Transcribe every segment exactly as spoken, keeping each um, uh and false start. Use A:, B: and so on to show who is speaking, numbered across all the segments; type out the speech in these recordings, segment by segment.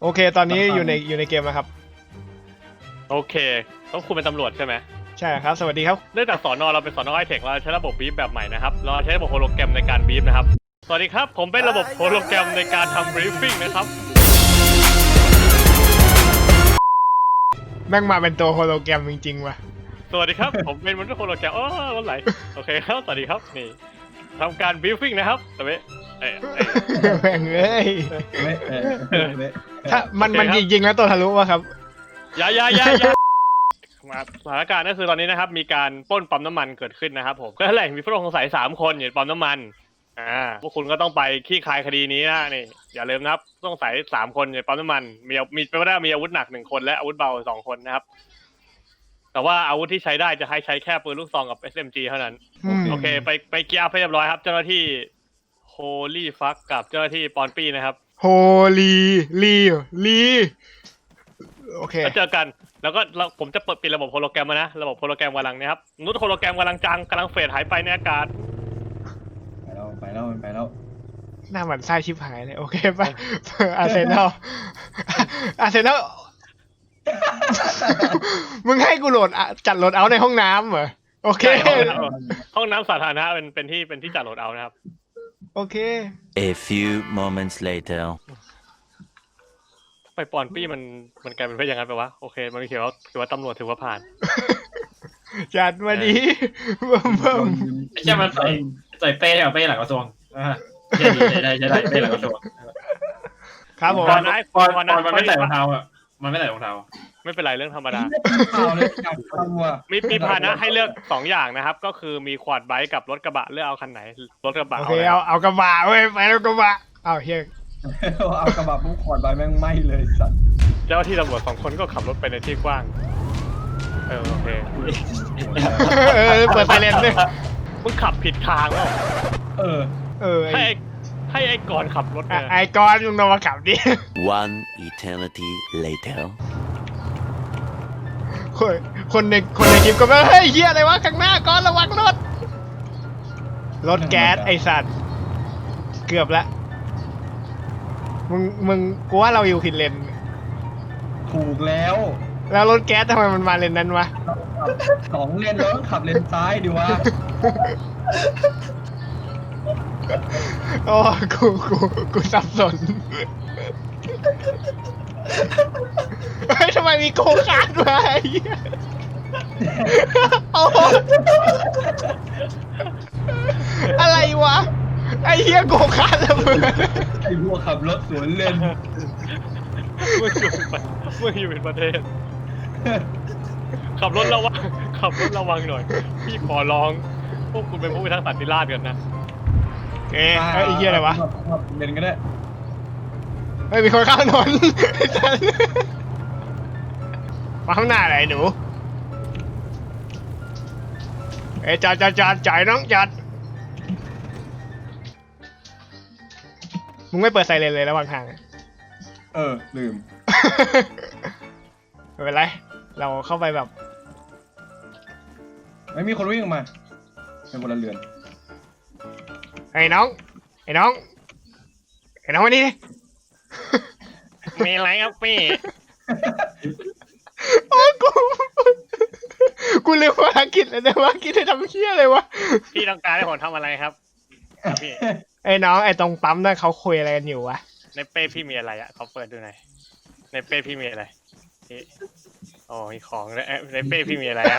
A: โอเคตอนนี้อยู่ในอยู่ในเกมนะครับ
B: โอเคต้องคุณเป็นตำรวจใช่ไหม
A: ใช่ครับสวัสดีครับ
B: เนื่องจากสอนอเราเป็นสอนอไฮเทคเราใช้ระบบบีฟแบบใหม่นะครับเราใช้ระบบโฮโลแกรมในการบีฟนะครับสวัสดีครับผมเป็นระบบโฮโลแกรมในการทำบรีฟฟิ้งนะครับ
A: แม่งมาเป็นตัวโฮโลแกรมจริงๆว่ะ
B: สวัสดีครับผมเป็นมนุษย์โฮโลแกรมอ๋อวันไหลโอเคครับสวัสดีครับนี่ทำการบรีฟฟิ้งนะครับแต่ไม่เอ้ย
A: แม่งเอ้ย
C: ไม่เออไม่
A: ถ้ามันมันจริงๆแล้วตัวทะลุวะครับ
B: ยายายายามาสถานการณ์ก็คือตอนนี้นะครับมีการปล้นปั๊มน้ำมันเกิดขึ้นนะครับผมก็แหละมีผู้ต้องสงสัยสามคนอยู่ในปั๊มน้ำมันอ่าพวกคุณก็ต้องไปคลี่คลายคดีนี้นะนี่อย่าลืมนะครับผู้ต้องสงสัยสามคนอยู่ในปั๊มน้ำมันมีมีเป็นไปได้มีอาวุธหนักหนึ่งคนและอาวุธเบาสองคนนะครับแต่ว่าอาวุธที่ใช้ได้จะให้ใช้แค่ปืนลูกซองกับ เอส เอ็ม จี เท่านั้นโอเคไปไปเกียร์อัพให้เรียบร้อยครับเจ้าหน้าที่โฮลี่ฟักกับเจ้าหน้าที่ปอนปี้นะครับ
A: โฮลีลีลีโอเค
B: แล้วเจอกันแล้วก็ผมจะเปิดปิดระบบโฮโลแกรมมานะระบบโฮโลแกรมกำลังเนี่ยครับนุชโฮโลแกรมกำลังจังกำลังเฟดหายไปในอากาศ
C: ไปแล้วไปแล้วไปแล้ว
A: หน้าหมันไส้ชิบหายเลยโอเคป่ะอาร์เซนอลอาร์เซนอลมึงให้กูโหลดจัดโหลดเอาในห้องน้ำเหรอโอเค
B: ห้องน้ำสาธารณะเป็นเป็นที่เป็นที่จัดโหลดเอานะครับ
A: โอเค
D: A few moments later
B: ไปปอนปี้มันมันกลายเป็นเพื่อนอย่างนั้นไปวะโอเคมันเขียนว่าถือว่าตำรวจถือว่าผ่าน
A: จัดมาดีเบิ่มเบิ่ม
E: ใช่มันใส่ใส่เป้เอาเป้หลังกระทรวงอ่าใช่ดีใช่ได้ใช่ได้เป้หลังกระทรวง
A: ครับผม
E: ก่อนก่อนก่อนมันไม่ใส่รองเท้าอ่ะมันไม่ใส่รองเท้า
B: ไม่เป็นไรเรื่องธรรมดามีมีพาหนะให้เลือกสองอย่างนะครับก็คือมีควอดไบค์กับรถกระบะเลือกเอาคันไหนรถกระบะ
A: โอเคเอาเอากระบะเว้ยไปแล้วกระบะเอาเฮีย
C: เอากระบะปุ๊บขอดใบแม่งไหม้เลยสัตว์
B: เจ้าที่ตำรวจสองคนก็ขับรถไปในที่กว้างเออโอเค
A: เออเปิดไซเรนด้วย
B: มึงขับผิดทางแล้ว
C: เออ
A: เออ
B: ให้ให้ไอ้กอนขับรถ
A: ไอ้กอนมึงลงมาขับดิ
D: One eternity later
A: คนคนในคนในคลิปก็แบบเฮ้ยเฮียอะไรวะข้างหน้าก่อนระวังรถรถแก๊สไอสัตว์เกือบละมึงมึงกูว่าเราอยู่ผิดเลน
C: ถูกแล้ว
A: แล้วรถแก๊สทำไมมันมาเลนนั้นวะ
C: สองเลนแล้วต้องขับเลนซ้ายดิวะ
A: โอ้กูกูกูสับสนเฮ้ยทำไมมีโกคาร์ดมาไอ้เหี้ยอะไรวะไอ้เหี้ยโกคาร์ดระเบิด
C: ไอ้พวกขับรถสวนเลน
B: เมื่ออยู่เมื่ออยู่เป็นประเทศขับรถระวังขับรถระวังหน่อยพี่ขอร้องพวกคุณเป็นผู้พิทักษ์สันติราษฎร์กันนะ
A: เอ๊ะไอ้เหี้ยอะไรวะ
C: เลนก็ได้
A: เฮ้ยมีคนข้ามถนนมาข้างหน้าไหนหนูเอ้ยจอดจอดจอดจ่ายน้องจอดมึงไม่เปิดไซเรนเลยระหว่างทาง
C: เออลืม
A: ไม่เป็นไรเราเข้าไปแบบ
C: ไม่มีคนวิ่งออกมาเป็นพลเรือน
A: ไอ้น้องไอ้น้องไอ้น้องมานี่
B: มีอะไรครับพี่
A: โอ้กูกูลืมภารกิจเลยแต่ว่ากิจจะทำเชี่ยอะไรวะ
B: พี่ต้องการให้ผมทำอะไรครับพี่
A: ไอ้น้องไอ้ตรงปั๊มนั่นเขาคุยอะไรกันอยู่วะ
B: ในเป้พี่มีอะไรอ่ะเขาเปิดดูหน่อยในเป้พี่มีอะไรอ๋อมีของในในเป้พี่มีอะไรครับ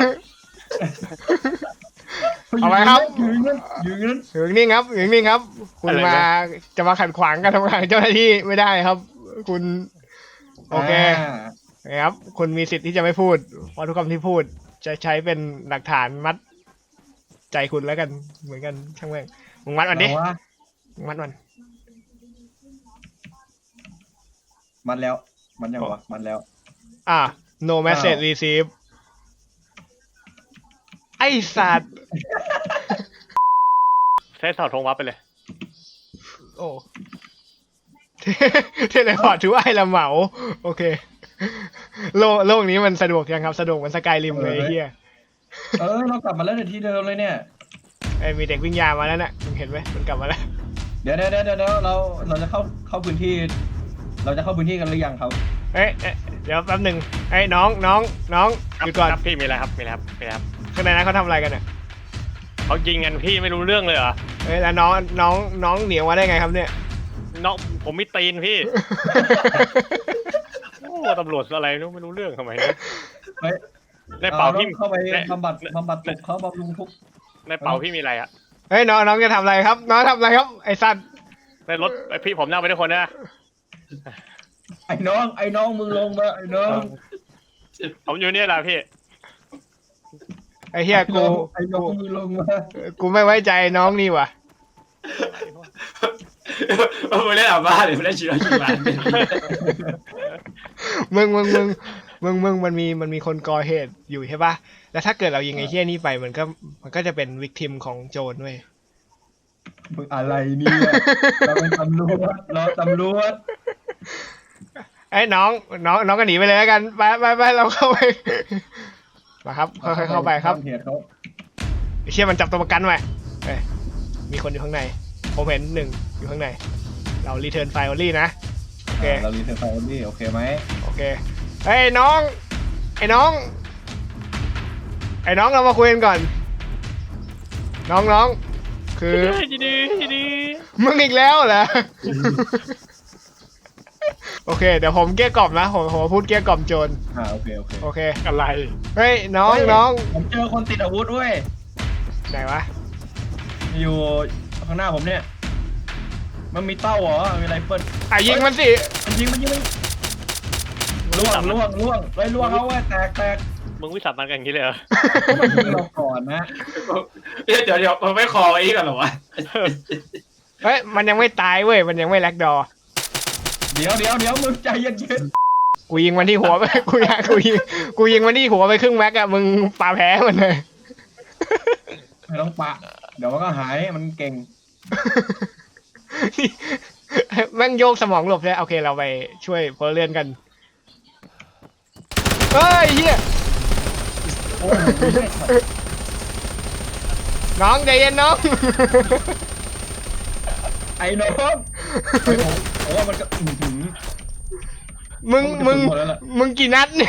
A: เอาไว้ครับ
C: ยืน
A: ยืนนิ่งครับยืนนิ่งครับคุณมาจะมาขัดขวางการทำงานเจ้าหน้าที่ไม่ได้ครับคุณโอเคครับคุณมีสิทธิ์ที่จะไม่พูดเพราะทุกคำที่พูดจะใช้เป็นหลักฐานมัดใจคุณแล้วกันเหมือนกันช่างแม่งมึงมัดมันดิมึงมัดมัน
C: มันแล้วมันยังวะมันแล้ว
A: อ่ะ no message receive ไอ้สัตว์
B: ใช้เสาธงวับไปเลย
A: โอ้เทเลพอร์ตถือว่าไอ้ละเหมาโอเคโลกโลกนี้มันสะดวกยังครับสะดวกเหมือนสกายริมเลยเฮีย
C: เออเรากลับมาแล้วในที่เดิมเลยเนี่ย
A: ไอ้มีเด็กวิ่งยามาแล้วน่ะมึงเห็นไหมมันกลับมาแล้ว
C: เดี๋ยวเดี๋ยวเดี๋ยวเดี๋ยวเราเราจะเข้าเข้าพื้นที่เราจะเข้าพื้นที่กันหรือยังครับ
A: เอ้ยเอ๊ะเดี๋ยวแป๊บหนึ่งไอ้ยน้องน้องน้อง
B: ครับ
A: หยุดก่อน
B: ครับพี่มีอะไรครับมีอะไรครับมีอะไรครับ
A: ข้างในนั้นเขาทำอะไรกันเนี่ย
B: เขายิงกันพี่ไม่รู้เรื่องเลยเหรอ
A: เอ้ยแล้วน้องน้องน้องเหนียวมาได้ไงครับเนี่ย
B: น้องผมมีตีนพี่ โอ้ตำรวจอะไรนู้ไม่รู้เรื่องทำไมเนี่ย
C: เฮ้ย
B: ในเป๋าพี่
C: เข้าไป
B: ใน
C: บำบัดบำบัดทุกข์เขาบำรุงทุกข์
B: ในเป๋าพี่มีอะไรอะ
A: เฮ้ยน้องน้องจะทำอะไรครับ น้องทำอะไรครับไอ้สัตว์
B: ในรถไอพี่ผมนั่งไปด้วยคนนะ
C: ไอ้น้องไอ้น้องมึงลงมาไอ้น้อง
B: ผมอยู่เนี่ยแหละพี่
A: ไอ้เฮียกู
C: ไอ้น้องมึงลงมา
A: กูไม่ไว้ใจน้องนี่ว่ะ
E: มึงเล่นอาบ้าหรือเล่นชีวิตชีวิต
A: มึงมึงมึงมึงมึงมันมีมันมีคนก่อเหตุอยู่ใช่ปะแล้วถ้าเกิดเรายิงไอ้เฮียนี่ไปมันก็มันก็จะเป็นวิกทิมของโจรเว้ย
C: มึงอะไรเนี่ยเราเป็นตำรวจเราตำรวจ
A: ไอ้ยน้องน้องน้องก็หนีไปเลยแล้วกันไปไปไปเราเข้าไปมาครับค่อยๆเข้าไปครับ
C: เหตุเขา
A: ไอ้เชี่ยมันจับตัวประกันไว้เอ้ยมีคนอยู่ข้างในผมเห็นหนึ่งอยู่ข้างในเรารีเทิร์นไฟล์ออลี่นะโอเค
C: เรารีเซ็ตไฟล์นี่โอเคไหม
A: โอเคเฮ้ยน้องไอ้น้องไอ้น้องเรามาคุยกันก่อน น้องน้องคือ
B: ดีดีดี
A: มึงอีกแล้วเหรอ โอเคเดี๋ยวผมเกลี้ยกล่อมนะผมผมพูดเกลี้ยกล่อมโจร
C: อ่าโอเคโอเค
A: โอเค
B: อะไร
A: เฮ้ยน้อง
C: เฮ้ย
A: น้อง
C: ผมเจอคนติดอาวุธเว้ย
A: ไหนวะ
C: อยู่ข้างหน้าผมเนี่ย มันมีเต้าเหรอมีไรเฟิล
A: อ่ะยิงมันสิ
C: มันยิงมันยิงมันล่วงล่วงล่วงเลยล่วงเอาเว้ยแตกแตก
B: มึงวิสามันกันอย่างนี้เลยเหรอ
C: มันยิงเราก่อนนะ
E: เดี๋ยวเดี๋ยวมันไม่คอไอ้กันหรอวะ
A: เฮ้ยมันยังไม่ตายเว้ยมันยังไม่แลกดอ
C: เดี๋ยวเดี๋ยวเดี๋ยวมึงใจเย็น
A: กูยิงมันที่หัวไป กูอยากกูยิงกูยิงมันที่หัวไปครึ่งแม็กอะมึงปาแพ้มันเลย
C: ๆไม่ต้องปะ เดี๋ยวมันก็หายมันเก่ง
A: แม่งโยกสมองหลบเลยโอเคเราไปช่วยพลเรือนกันเฮ้ยเฮีย
C: โอ้ยไม่ใช่ครับ
A: น้องใจเย็นน้อง
C: ไอ้น้องไอ้ผมผมว่ามันก็อื้อหือ
A: มึงมึง
C: หมดแล้วล่ะ
A: มึงกี่นัดเนี่ย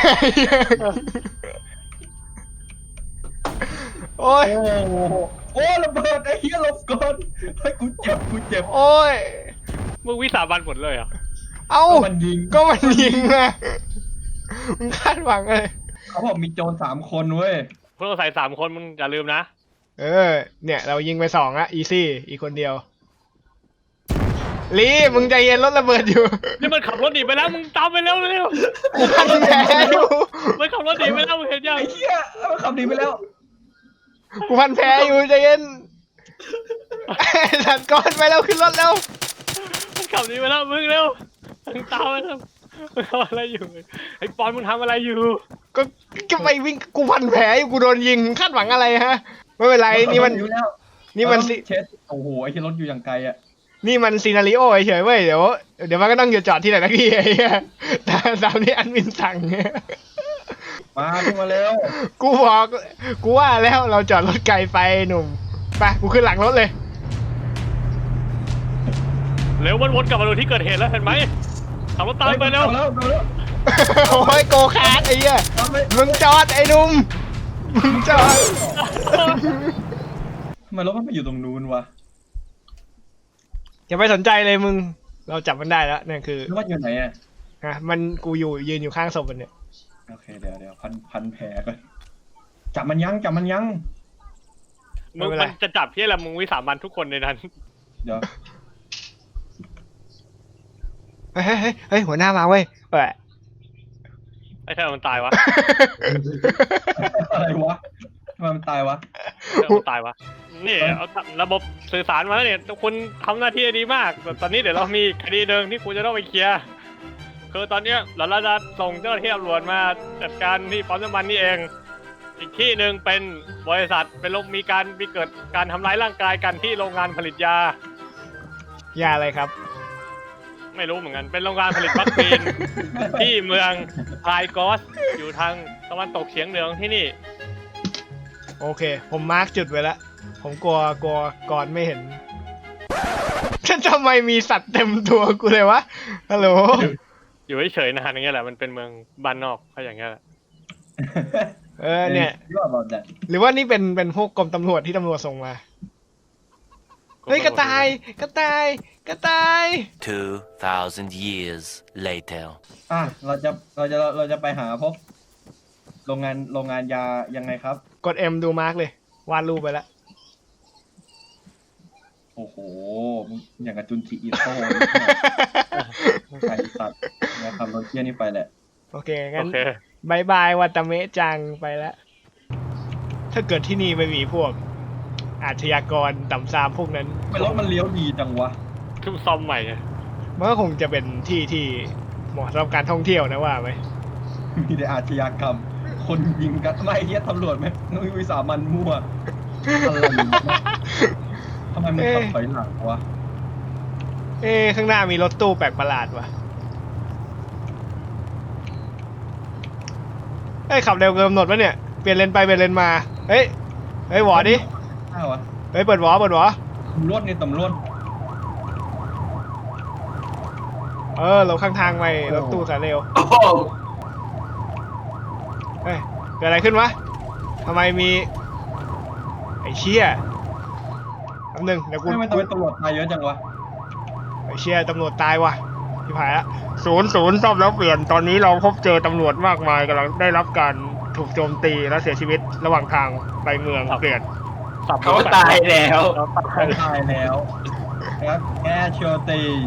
A: โอ้ย
C: โอ้โหโอ้ระเบิดไอ้เหี้ยหลบก่อนเฮ้ยกูเจ็บกูเจ็บ
A: โอ้ย
B: มึงวิสามันหมดเลยเหรอ
A: เอ้า
C: ก็มันยิง
A: ก็มันยิงนะมึงคาดหวังเลย
C: เขาบอกมีโจรสามคนเว้ย
B: พวกเราใส่สามคนมึงอย่าลืมนะ
A: เออ เนี่ยเรายิงไปสองอะอีซี่อีกคนเดียวลีมึงใจเย็นรถระเบิดอยู่
B: นี่มันขับรถหนีไปแล้วมึงตามไปเร็วเร็ว
A: กูพันแผลอยู่
B: มันขับรถหนีไปแล้วมึงเห็นยัง
C: ไอ้เหี้ยมันขับหนีไปแล้ว
A: กูพันแผลอยู่ใจเย็นสัตว์ก้อนไปแล้วขึ้นรถแล้ว
B: มันขับหนีไปแล้วมึงเร็วมึงตามไปแล้วมึงทำอะไรอยู่ไอ้ปอนมึงทำอะไรอยู่
A: ก็ก็ไปวิ่งกูพันแผลอยู่กูโดนยิงคาดหวังอะไรฮะไม่เป็นไรนี่มัน
C: อยู่แล้ว
A: นี่มันสิ
C: เช็ดโอ้โหไอ้ที่รถอยู่อย่างไกลอ่ะ
A: นี่มันซีนาริโอเฉยๆเว้ยเดี๋ยวเดี๋ยวมันก็ต้องหยุดจอดที่ไหนนักที่ไอ้เหี้ยตามตามที่อันวินสั่ง
C: มาขึ้นมาเร็ว
A: กูบอกกูว่าแล้วเราจอดรถไกลไปหนุ่มไปกูขึ้นหลังรถเลย
B: เร็วมันวนกลับมาดูที่เกิดเหตุแล้วเห็นไหมขับรถตามไปเร็ว
C: เอาแล้วเอาแล้ว
A: โอ้ยโกคาร์ดไอ้เหี้ย
C: เอาไป
A: มึงจอดไอ้หนุ่มมึงจอด
C: ทำไมรถมันไปอยู่ตรงนู้นวะ
A: อย่าไปสนใจเลยมึงเราจับมันได้แล้วเนี่ยคือ
C: รถอยู่ไหนอ่ะ
A: ฮะมันกูอยู่ยืนอยู่ข้างศพมันเนี่ย
C: โอเคเดี๋ยวเดี๋ยวพันพันแผลก่อนจับมันยั้งจับมันยั้ง
B: มึงมันจะจับพี่อะไรมึงวิสามันทุกคนในนั้น
C: เดี๋ยว
A: เฮ้ยเฮ้ยเฮ้ยเฮ้ยหัวหน้ามาเว้ยเออ
B: ไอ้เธอมันตายวะ
C: อะไรวะทำไมมันตายวะ
B: เธอมันตายวะนี่เอาระบบสื่อสารมาแล้วเนี่ยคุณทำหน้าที่ดีมากแต่ตอนนี้เดี๋ยวเรามีคดีหนึ่งที่คุณจะต้องไปเคลียร์คือตอนเนี้ยเราจะส่งเจ้าหน้าที่ตำรวจมาจัดการที่ปั๊มน้ำมันนี่เอง อีกที่หนึ่งเป็นบริษัทเป็นโรงมีการมีเกิดการทำร้ายร่างกายกันที่โรงงานผลิตยา
A: ยาอะไรครับ
B: ไม่รู้เหมือนกัน เป็นโรงงานผลิตวัคซีน ที่เมืองไพรกอสอยู่ทางตะวันตกเฉียงเหนือของที่นี่
A: โอเค ผมมาร์กจุดไว้แล้วผมกลัวกลัวก่อนไม่เห็น ฉันทำไมมีสัตว์เต็มตัวกูเลยวะฮัลโหล
B: อยู่เฉยๆนานอย่างเงี้ยแหละมันเป็นเมืองบ้านนอกก็อย่างเงี้ยแหละ
A: เออเนี่ย
C: ยอดบอกแต่
A: หรือว่านี่เป็นเป็นพวกกรมตำรวจที่ตำรวจส่งมา เฮ้ยกระต่ายกระต่ายกระต่าย
D: Two thousand years later.
C: อ่ะเราจะเราจะเราจะไปหาพบโรงงานโรงงานยายังไงครับ
A: กด M ดูมาร์กเลยวาดรูปไปแล้ว
C: โอ้โหมึงอย่างกับจุนจิอิโต้ไก่สัตว์นะครับรถเที่ยนี่ไปแหละ
A: โอเค
B: โอ
A: งั้น
B: เค
A: บายบายวัตาเมะจังไปแล้ว ถ้าเกิดที่นี่ไม่มีพวก อาชญากรต่ำซามพวกนั้น
C: ไม่รถมันเลี้ยวดีจังวะ
B: ขึ้นซ่อมใหม่ไง
A: มันก็คงจะเป็นที่ที่เหมาะสำหรับการท่องเที่ยวนะว่าไหม
C: มีแต่อาชญากรรม คนยิงกันไม่เฮียตำรวจไหมนุ้ยวิสามันมั่วอะไรวะทำไมมันขับถอยหลังวะ
A: เอ๊ะข้างหน้ามีรถตู้แปลกประหลาดว่ะเฮ้ยขับเร็วเกินกำหนดวะเนี่ย เปลี่ยนเลนไปเปลี่ยนเลนมา เฮ้ย เฮ้ยหวอดิ
C: อ้าววะ
A: เฮ้ยเปิดหวอเปิดหวอ
C: ตำรวจนี่ตำรวจ
A: เออเราข้างทางไปรถตู้สายเร็ว
E: โอ้โห
A: เฮ้ยเกิดอะไรขึ้นวะทำไมมี ไอ้เชี่ยแป๊บนึงเดี๋ยวกู
C: ไม่ไม่ต้องเป็นตำรวจตายเยอะจังวะ
A: ไอ้เชี่ยตำรวจตายว่ะที่ผายละศูนย์ศูนย์ซ่อมแล้วเปลี่ยนตอนนี้เราพบเจอตำรวจมากมายกำลังได้รับการถูกโจมตีและเสียชีวิตระหว่างทางไปเมืองเปลี่ยน
B: สับ
E: เขาตายแล้ว
B: เราตาย
C: ตายแล้วครับแอชโชตีส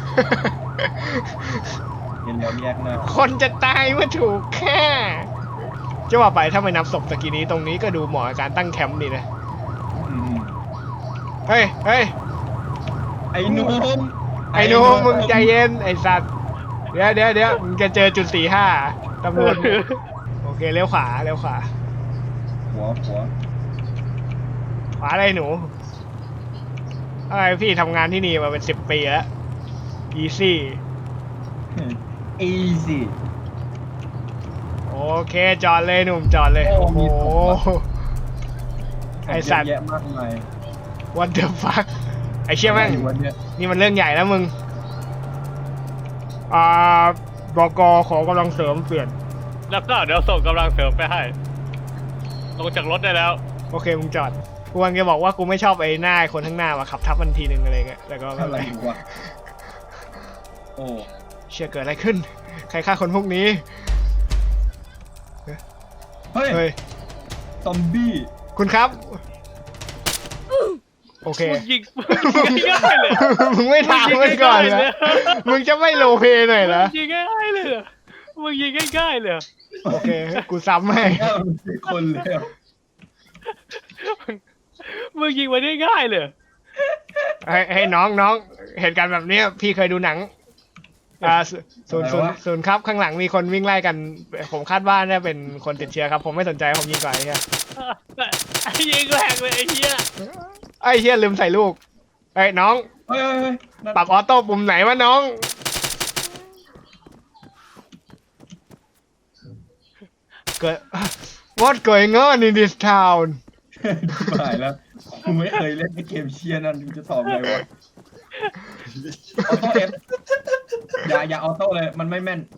C: เห็นแล้วแยกหน้า
A: คนจะตายเมื่อถูกแค่จะว่าไปถ้าไม่นับศพตะกี้นี้ตรงนี้ก็ดูเหมาะกับการตั้งแคมป์ดีนะ
C: อืม
A: เฮ้ยเฮ้ย
C: ไอ้หนุ่ม
A: ไอ้หนูมึงใจเย็นไอ้สัตว์เดี๋ยวเดี๋ยวเดี๋ยวมึงจะเจอจุดสี่ห้าตำรวจโอเคเลี้ยวขวาเลี้ยวขวา
C: หัวหัว
A: ขวาอะไรหนูอะไรพี่ทำงานที่นี่มาเป็นสิบปีแล้ว easy
C: อีซี่
A: โอเคจอดเลยหนุ่มจอดเลย
C: โอ้
A: โอ้โห
C: มีศพว่ะ
A: ไอสัตว์
C: เยอะแยะมากมาย
A: what the fuck ไอเชี่ยแม่ง
C: อยู่วันเนี้ย
A: นี่มันเรื่องใหญ่แล้วมึงอ่าบกขอกำลังเสริมเปลี่ยน
B: แล้วก็เดี๋ยวส่งกำลังเสริมไปให้ ลงจากรถได้แล้ว
A: โอเคมึงจอดกูกำลังจะบอกว่ากูไม่ชอบไอ้หน้าไอ้คนข้างหน้าว่ะขับทับมันทีนึงอะไรเงี้ยแต่ก็ไม่
C: อะ
A: เป็น
C: ไร
A: ไร
C: วะโอ้
A: เชี่ยเกิดอะไรขึ้น ใครฆ่าคนพวกนี้
C: เฮ้ย
A: เฮ้ย
C: ซอมบี้
A: คุณครับ โอเค
B: มึงยิงมึงยิงง่ายๆเลย
A: มึงไม่ถามมันก่อนเหรอมึงจะไม่โลเพหน่อยเหรอ
B: มึงยิงง่ายๆเลยเหรอมึงยิงง่ายๆเลยเหรอ
A: โอเค กูซ้ำให้
C: แค่มันเป็นคนแล้ว
B: มึงยิงมาได้ง่ายเลยเหรอ
A: ให้ให้น้องน้องเหตุการณ์แบบเนี้ยพี่เคยดูหนัง อ่าศูศูนย์ศูนย์ศูนย์ครับข้างหลังมีคนวิ่งไล่กัน ผมคาดว่าน่าเป็นคนติดเชื้อครับ ผมไม่สนใจผมยิงก่อนไอ้เหี้ย
B: ไอ้ยิงแรงเลยไอ้เหี้ย
A: ไอ้เหี้ยลืมใส่ลูกไอ้ยน้อง
C: เฮ้ยเฮ้ยเฮ้ยนั่น
A: ปรับออโต้ปุ่มไหนวะน้อง เกิด What going on in this town
C: ตายแล้วกูไม่เคยเล่นไอ้เกมเชียร์นั่นกูจะตอบไงวะออโต้เอฟอย่าอย่าออโต้เลยมันไม่แม่น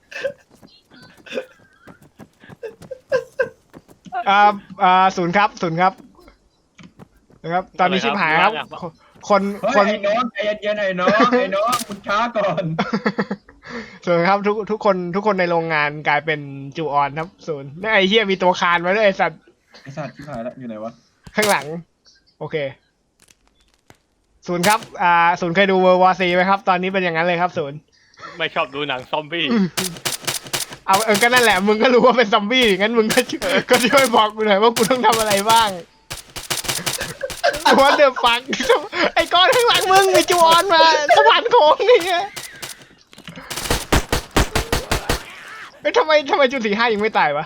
A: อ่าอ่าศูนย์ครับศูนย์ครับนะครับ ตอนนี้ชิบหายครับ คน
C: เฮ้ย
A: คน
C: ไอ้น้องใจเย็นๆไอ้น้องไอ้น้องคุณช้าก่อน
A: ศูนย์ครับทุกทุกคนทุกคนในโรงงานกลายเป็นจูออนครับศูนย์แล้วไอ้เหี้ยมีตัวคานมาด้วยไอ้สัตว์
C: ไอ้สัตว์ที่หายแล้วอยู่ไหนวะ
A: ข้างหลัง โอเคศูนย์ครับอ่าศูนย์เคยดูเวอร์วอซีไหมครับ ตอนนี้เป็นอย่างนั้นเลยครับศูนย์
B: ไม่ชอบดูหนังซอมบี้
A: เอาเออก็นั่นแหละมึงก็รู้ว่าเป็นซอมบี้งั้นมึงก็ช่วยก็ช่วยบอกกูหน่อยว่ากูต้องทำอะไรบ้าง What the fuck ไอ้ก้อนข้างหลังมึงมีจูออนมาสะพานโค้งนี่ไงเฮ้ยทำไมทำไมจุดสี่ห้ายังไม่ตายวะ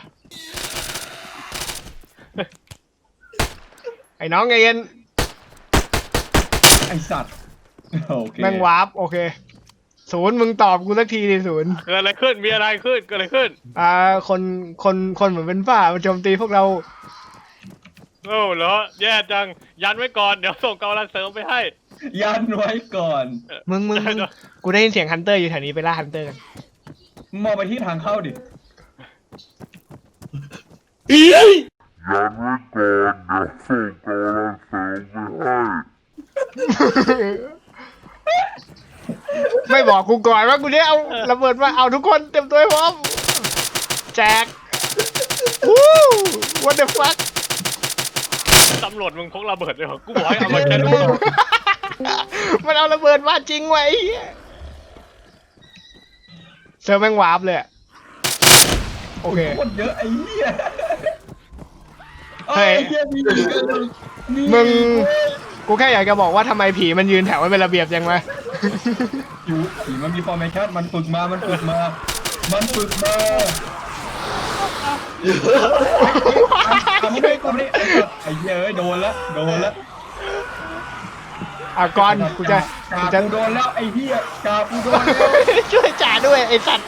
A: ไอ้น้องไงเย็น
C: ไอ้สัตว์โอเค
A: แม่งวาร์ปโอเคศูนย์มึงตอบกูสักทีดิศูนย์
B: เกิดอะไรขึ้น มีอะไรขึ้น เกิดอะไรขึ้น
A: อ่าคนคนคนเหมือนเป็นบ้ามาโจมตีพวกเรา
B: โอ้เหรอ แย่จัง ยันไว้ก่อน เดี๋ยวส่งกำลังเสริมไปให้
C: ยันไว้ก่อน
A: มึงมึงมึงกูได้ยินเสียงฮันเตอร์อยู่แถวนี้ไปล่าฮันเตอร์กัน
C: มึงมองไปที่ทางเข้าดิ
F: ยันไว้ก่อนเดี๋ยวส่งกำลังเสริมไปให้
A: ไม่บอกกูก่อนว่ากูเนี่ยเอาระเบิดมาเอาทุกคนเต็มตัวให้พร้อมแจกวู้ what the fuck
B: ตำรวจมึงพกระเบิดด้วยเหรอกูบอกให้เอามาแค่ลูกซอง
A: มันเอาระเบิดมาจริงไว้เซิร์ฟแม่งวาร์ปเลยอะโอเค
C: คนเยอะไอ้เหี้ย
A: เฮ้ย
C: ไอ้เหี้ยมีอีกอันหนึ่งนี่
A: มึงกูแค่อยากจะบอกว่าทำไมผีมันยืนแถวไม่เป็นระเบียบยังไง
C: อยู่ผีมันมีฟอร์เมชั่นมันฝึกมา มันฝึกมา มันฝึกมาทำไม่ก่อนนี่ไอ้เหี้ยเอ้ยโดนละโดนละ
A: อ่ะก่อนกูจะ
C: กา
A: กูจะ
C: กูโดนแล้วไอ้เหี้ยกากูโดนแล้ว
A: ช่วยจ่าด้วยไอ้สัตว์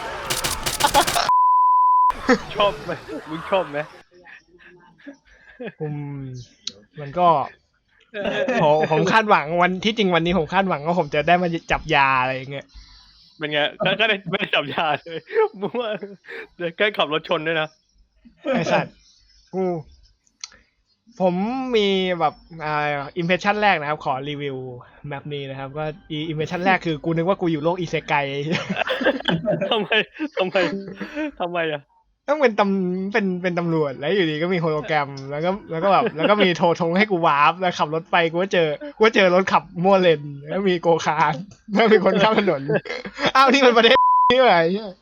B: ชอบไหมมึงชอบไหม
A: อืมมันก็ผมผมคาดหวังวันที่จริงวันนี้ผมคาดหวังว่าผมจะได้มาจับยาอะไรอย่างเงี้ย
B: เป็นไงก็ก็ได้ไม่ได้จับยาเลยมึงว่าเดี๋ยวใกล้ขับรถชนด้วยนะ
A: ไอ้สัตว์กูผมมีแบบอ่าอิมเพรสชั่นแรกนะครับ ขอรีวิวแมปนี้นะครับก็อิมเพรสชั่นแรกคือกูนึกว่ากูอยู่โลกอิเซไก
B: ทำไมทำไมทำไมอ่ะ
A: ต้องเป็นตำเป็นเป็นตำรวจแล้วอยู่ดีก็มีโฮโลแกรมแล้วก็แล้วก็แบบแล้วก็มีโทรทงให้กูวาร์ปแล้วขับรถไปกูก็เจอกูก็เจอรถขับมั่วเลนแล้วมีโกคาร์ทแล้วมีคนข้ามถนนอ้าวนี่มันประเทศนี่ไง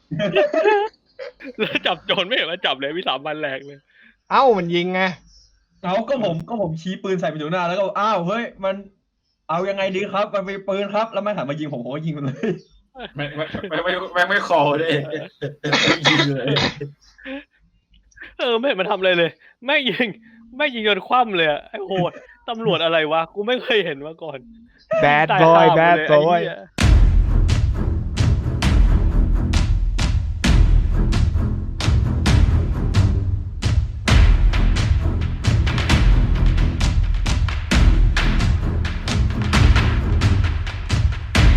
B: แล้วจับโจรไม่เห็นว่าจับเลยวิสามันแหลกเลย
A: เอ้ามันยิงไง
C: เอาก็ผมก็ผมชี้ปืนใส่ไปอยู่หน้าแล้วก็อ้าวเฮ้ยมันเอายังไงดีครับ มันเป็นปืนครับแล้วมันหันมายิงผมผมก็ยิงมันเลย
E: ไม่ไม่ไม่ไม่ไม่ไม่คอเลยยิงเลย
B: เออไม่เห็นมันทำอะไรเลยแม่งยิงแม่งยิงจนคว่ำเลยอะไอ้โหดตำรวจอะไรวะกูไม่เคยเห็นมาก่อน
A: bad
B: ตาย
A: boy
B: ห่าหมด
A: bad
B: เลยไอ้
A: boy
B: เหี้ย